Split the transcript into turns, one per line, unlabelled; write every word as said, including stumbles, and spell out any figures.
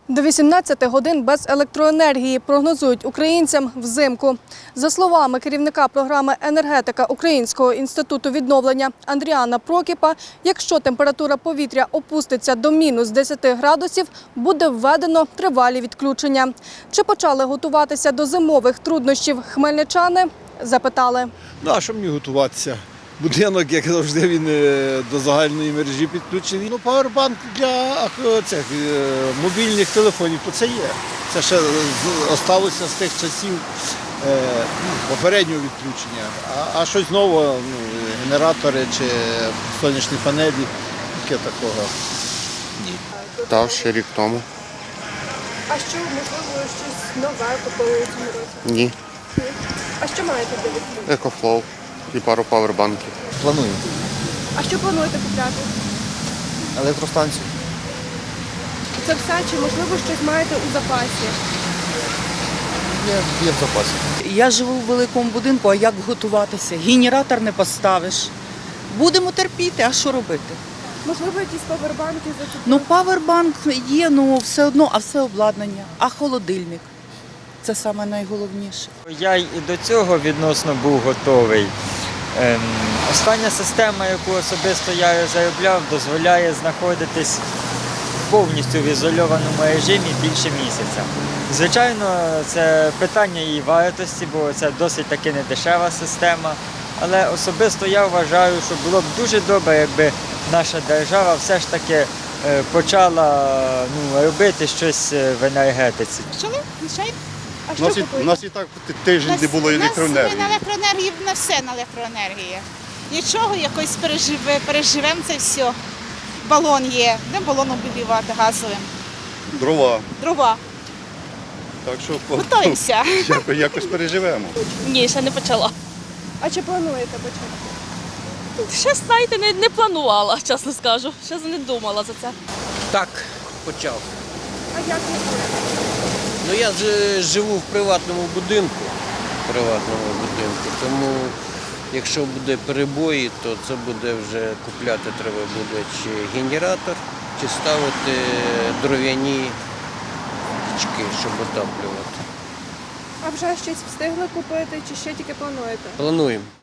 До вісімнадцяти годин без електроенергії прогнозують українцям взимку. За словами керівника програми «Енергетика» Українського інституту відновлення Андріана Прокіпа, якщо температура повітря опуститься до мінус десяти градусів, буде введено тривалі відключення. Чи почали готуватися до зимових труднощів хмельничани? Запитали.
Ну, а що мені готуватися? Будинок, як завжди, він е, до загальної мережі підключений. Ну, павербанк для ах, цих е, мобільних телефонів, то це є. Це ще залишилося з тих часів е, ну, попереднього відключення. А, а щось нове, ну, генератори чи сонячні панелі, таке такого ні.
Так, ще рік тому.
А що, можливо, щось нове купили у цьому році?
Ні.
А що маєте для відключення?
Екофлоу і пару павербанків.
Планую.
А що плануєте купляти?
Електростанцію.
Це все? Чи, можливо, щось маєте у запасі?
Є, є в запасі.
Я живу в великому будинку, а як готуватися? Генератор не поставиш. Будемо терпіти, а що робити?
Можливо, якісь павербанки за це?
Ну, павербанк є, ну все одно, а все обладнання. А холодильник? Це саме найголовніше.
Я й і до цього відносно був готовий. Ем, остання система, яку особисто я заробляв, дозволяє знаходитись повністю в ізольованому режимі більше місяця. Звичайно, це питання її вартості, бо це досить таки недешева система. Але особисто я вважаю, що було б дуже добре, якби наша держава все ж таки е, почала ну, робити щось в енергетиці.
Почали? Звичайно.
А
У
що
нас, і-
купуєте?
у нас і так тиждень не було електроенергії.
У нас на електроенергії, на все на електроенергії. Нічого, якось переживе, переживемо це все. Балон є. Де балон обігрівати газовим?
Дрова.
Дрова.
Так що
Готуємося.
якось, якось переживемо.
Ні, ще не почала.
А чи плануєте почати?
Ще, знаєте, не, не планувала, чесно скажу. Ще не думала за це.
Так, почав.
А як ви будете?
Ну я ж живу в приватному будинку, приватному будинку, тому якщо буде перебої, то це буде вже купляти треба буде чи генератор, чи ставити дров'яні пічки, щоб отаплювати.
А вже щось встигли купити чи ще тільки плануєте?
Плануємо.